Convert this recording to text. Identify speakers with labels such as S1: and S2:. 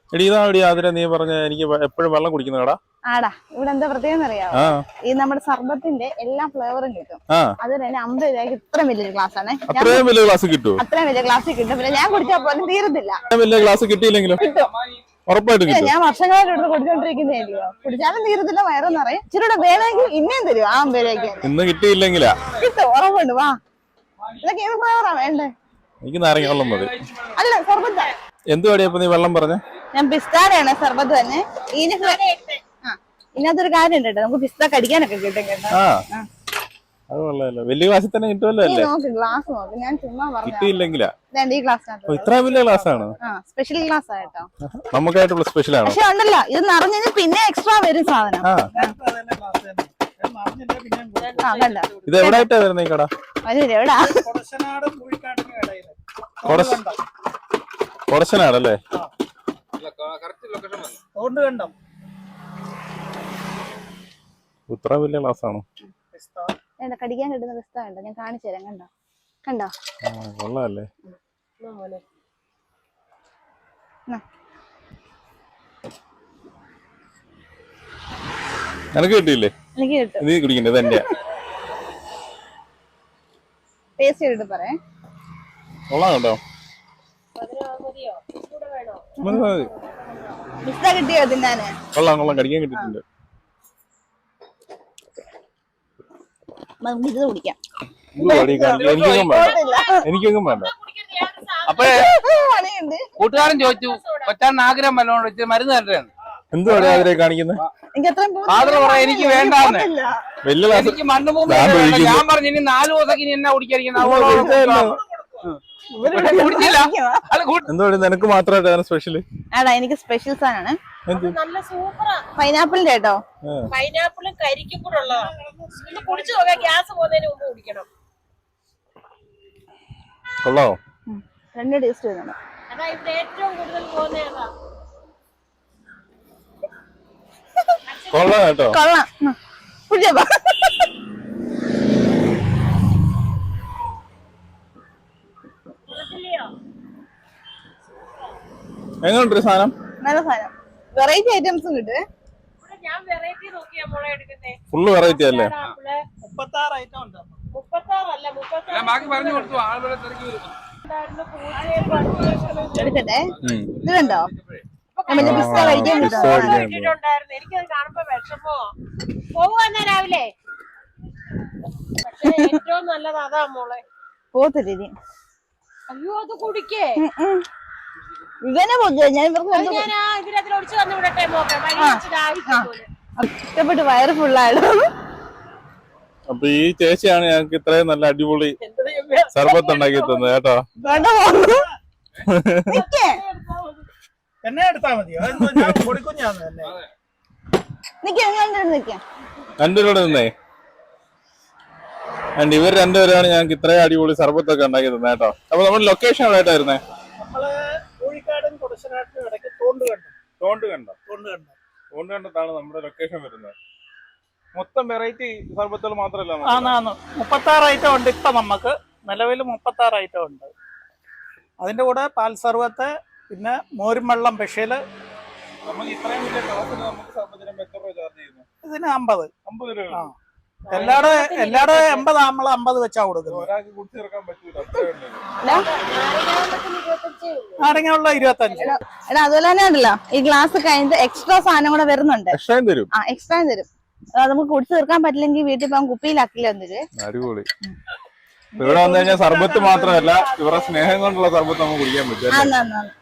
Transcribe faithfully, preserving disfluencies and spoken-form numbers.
S1: എടി ഇതാടി അതിനെ നീ പറഞ്ഞ എനിക്ക് എപ്പോഴും വെള്ളം കുടിക്കുന്ന കടാ
S2: ആടാ ഇവിടെ എന്താ പ്രത്യേകം അറിയാമോ? ഈ നമ്മുടെ സർബത്തിന്റെ എല്ലാ ഫ്ലേവറും കിട്ടും. അത് തന്നെ അമ്പത് രൂപയ്ക്ക് ഇത്ര വലിയൊരു ഗ്ലാസ് ആണ്.
S1: അത്രയും വലിയ ഗ്ലാസ് കിട്ടും?
S2: അത്രയും വലിയ ഗ്ലാസ് കിട്ടും. പിന്നെ ഞാൻ കുടിച്ചാൽ പോലും തീരത്തില്ല.
S1: വലിയ ഗ്ലാസ് കിട്ടിയില്ലെങ്കിലും
S2: കിട്ടും,
S1: ഉറപ്പായിട്ടും കിട്ടും.
S2: ഞാൻ വർഷങ്ങളായിട്ട് ഇവിടെ കുടിച്ചോണ്ടിരിക്കുന്നതല്ലയോ, കുടിച്ചാലും തീരത്തില്ല, വയറും നിറയും. ഇച്ചിരി വേണമെങ്കിൽ ഇന്നേം തരും ആ അമ്പത് രൂപയ്ക്ക്.
S1: ഇന്ന് കിട്ടിയില്ലെങ്കിലാ
S2: കിട്ടും, ഉറപ്പുണ്ട്. വാ, ഇതൊക്കെ ഏത് ഫ്ലേവറാ വേണ്ടേ?
S1: എനിക്ക് നാരങ്ങ വെള്ളം മതി.
S2: അല്ല സർബത്താ.
S1: എന്തുവാടിയപ്പോ നീ വെള്ളം പറഞ്ഞ?
S2: ഞാൻ പിസ്താടെയാണ് സർബത്ത് തന്നെ. ഇതിനകത്തൊരു കാര്യം ഉണ്ട് കേട്ടോ, നമുക്ക് പിസ്ത കടിക്കാനൊക്കെ കിട്ടും കേട്ടോ.
S1: അത് കൊള്ളാലോ, വലിയ ഗ്ലാസ്സിൽ തന്നെ കിട്ടുമല്ലോ അല്ലേ?
S2: നോക്ക് ഗ്ലാസ് നോക്ക്, ഞാൻ ചുമ്മാ പറഞ്ഞു.
S1: കിട്ടിയില്ലെങ്കിലാ
S2: ഈ ഗ്ലാസ്
S1: ഇത്ര വലിയ ഗ്ലാസ് ആണ്?
S2: സ്പെഷ്യൽ ഗ്ലാസ് ആയിട്ടോ,
S1: നമുക്കായിട്ടുള്ള സ്പെഷ്യൽ ആണ്.
S2: പക്ഷെ ഉണ്ടല്ലോ ഇത് നിറഞ്ഞു പിന്നെ എക്സ്ട്രാ വരും സാധനം.
S1: ഇത് എവിടായിട്ടാ വരുന്നത് ഈ കട?
S2: എവിടാ?
S1: കൊടശനാടല്ലേ? ഇത്ര വലിയ ഗ്ലാസ് ആണോ?
S2: കടിക്കാൻ കിട്ടുന്ന പിസ്ത കണ്ടോ, ഞാൻ കാണിച്ചു തരാം. കണ്ടോ കണ്ടോ?
S1: കൊള്ളാല്ലേ? നിനക്ക് കിട്ടിയില്ലേ?
S2: എനിക്ക് കിട്ടും.
S1: നീ കുടിക്കണ്ടേ? തന്നെയാ
S2: ടേസ്റ്റ് ചെയ്തിട്ട് പറയാം.
S1: കൊള്ളാം കേട്ടോ.
S2: പിസ്ത കിട്ടിയോ തിന്നാന്?
S1: കൊള്ളാം കൊള്ളാം, കടിക്കാൻ കിട്ടിയിട്ടുണ്ട്.
S2: ഇത് കുടിക്കാം.
S1: എനിക്കൊന്നും വേണ്ട, എനിക്കൊന്നും വേണ്ട.
S3: അപ്പഴേ കൂട്ടുകാരൻ ചോദിച്ചു കൊച്ചാൻ ആഗ്രഹം വല്ലോണ്ട് മരുന്ന് തരേന്ന്.
S1: എന്തുവാണ് ആഗ്രഹം കാണിക്കുന്നത്?
S3: ആഗ്രഹം പറയാ എനിക്ക് വേണ്ടാന്ന്. എനിക്ക് മണ്ണ് മൂന്ന് ഞാൻ പറഞ്ഞു ഇനി നാല് ദിവസം ഇനി എന്നാ കുടിക്കാതിരിക്കുന്ന.
S1: എന്തുവാ നിനക്ക് മാത്രമായിട്ട് സ്പെഷ്യല്?
S2: ആടാ എനിക്ക് സ്പെഷ്യൽ സാധനമാണ്. പൈനാപ്പിളിന്റെ കേട്ടോ.
S4: പൈനാപ്പിളും കരിക്കും കൂടെ ഉള്ളതാണ്. ഒന്ന് കുടിച്ചു നോക്കാം, ഗ്യാസ് പോകുന്നതിന് മുമ്പ് കുടിക്കണം.
S1: കൊള്ളാവോ?
S2: രണ്ട് ടേസ്റ്റ് വരുന്നുണ്ട്.
S4: അതാ ഇവിടെ ഏറ്റവും കൂടുതൽ പോകുന്നതാ.
S1: കൊള്ളാം കേട്ടോ.
S2: കൊള്ളാം. കുടിച്ചോ.
S1: എങ്ങനെയുണ്ട് സാധനം?
S2: നല്ല സാധനം. വെറൈറ്റി ഐറ്റംസും കിട്ടും.
S4: ഞാൻ വെറൈറ്റി നോക്കിയാ മോളെ എടുക്കുന്നേ.
S1: ഫുള്ള് വെറൈറ്റി അല്ലേ?
S4: മുപ്പത്താറ് ഐറ്റം ഉണ്ട്. മുപ്പത്താറല്ല മുപ്പത്താറ്.
S3: ബാക്കി പറഞ്ഞു കൊടുത്തു. ആളുകളെ തിരക്കി വരും.
S2: എടുക്കട്ടെ. ഇത് കണ്ടോ? പിസ്ത കഴിക്കാൻ
S4: കിട്ടിയിട്ടുണ്ടായിരുന്നു. എനിക്കത് കാണുമ്പോ വിഷമോ. പോവുന്ന രാവിലെ. പക്ഷെ ഏറ്റവും നല്ലത് അതാ മോളെ.
S2: പോത്തിരി.
S4: അയ്യോ അത് കുടിക്കേ.
S2: ഇവനെ ഞാൻ
S4: ഇതിനകത്ത് ഒടിച്ചു വന്ന് വിടട്ടെ മോക്കെ.
S2: ഇഷ്ടപ്പെട്ട് വയറ് ഫുള്ളായിരുന്നു.
S1: അപ്പൊ ഈ ചേച്ചിയാണ് ഞങ്ങൾക്ക് ഇത്രയും നല്ല അടിപൊളി സർബത്ത് ഉണ്ടാക്കി തന്നത് കേട്ടോ.
S5: എന്നെ എടുത്താ മതിയോ? കൊടുക്കും ഞാൻ തന്നെ.
S1: രണ്ടുപേരോട് നിന്നേ. ആൻഡ് ഇവർ രണ്ടുപേരാണ് ഞങ്ങൾക്ക് ഇത്രയും അടിപൊളി സർബത്തൊക്കെ ഉണ്ടാക്കി തന്നെ കേട്ടോ. അപ്പൊ നമ്മുടെ ലൊക്കേഷൻ എവിടെയായിട്ടായിരുന്നേ?
S5: നമ്മള് കോഴിക്കാടും കൊടശനാട്ടിനും ഇടയ്ക്ക് തോണ്ട് കണ്ടം.
S1: തോണ്ട് കണ്ടം
S5: തോണ്ട് കണ്ടം
S1: തോണ്ട് കണ്ടത്താണ് നമ്മുടെ ലൊക്കേഷൻ വരുന്നത്. മൊത്തം വെറൈറ്റി സർബത്തുകൾ മാത്രമല്ല,
S5: ആന്ന് മുപ്പത്താറ് ഐറ്റം ഉണ്ട് ഇപ്പൊ നമുക്ക് നിലവിൽ. മുപ്പത്താറ് ഐറ്റം ഉണ്ട്. അതിന്റെ കൂടെ പാൽ സർബത്ത്, പിന്നെ മോരും വെള്ളം സ്പെഷ്യല്. ഇതിന് അമ്പത് അമ്പത് രൂപ. എല്ലാടെ എല്ലാടെ എൺപത് നമ്മൾ അമ്പത് വെച്ചാ കൊടുക്കുന്നത്. നാരങ്ങയുള്ള ഇരുപത്തഞ്ച്.
S2: എടാ അതുപോലെ തന്നെ ഉണ്ടല്ലോ, ഈ ഗ്ലാസ് കഴിഞ്ഞിട്ട് എക്സ്ട്രാ സാധനം കൂടെ വരുന്നുണ്ട്.
S1: എക്സ്ട്രാ തരും.
S2: ആ എക്സ്ട്രാ തരും. നമുക്ക് കുടിച്ചു തീർക്കാൻ പറ്റില്ലെങ്കിൽ വീട്ടിൽ പോകാൻ കുപ്പിയിലാക്കില്ല എന്നിട്ട്.
S1: അടിപൊളി. ഇവിടെ വന്നു കഴിഞ്ഞാൽ സർബത്ത് മാത്രമല്ല, ഇവരുടെ സ്നേഹം കൊണ്ടുള്ള സർബത്ത് നമുക്ക് കുടിക്കാൻ പറ്റും.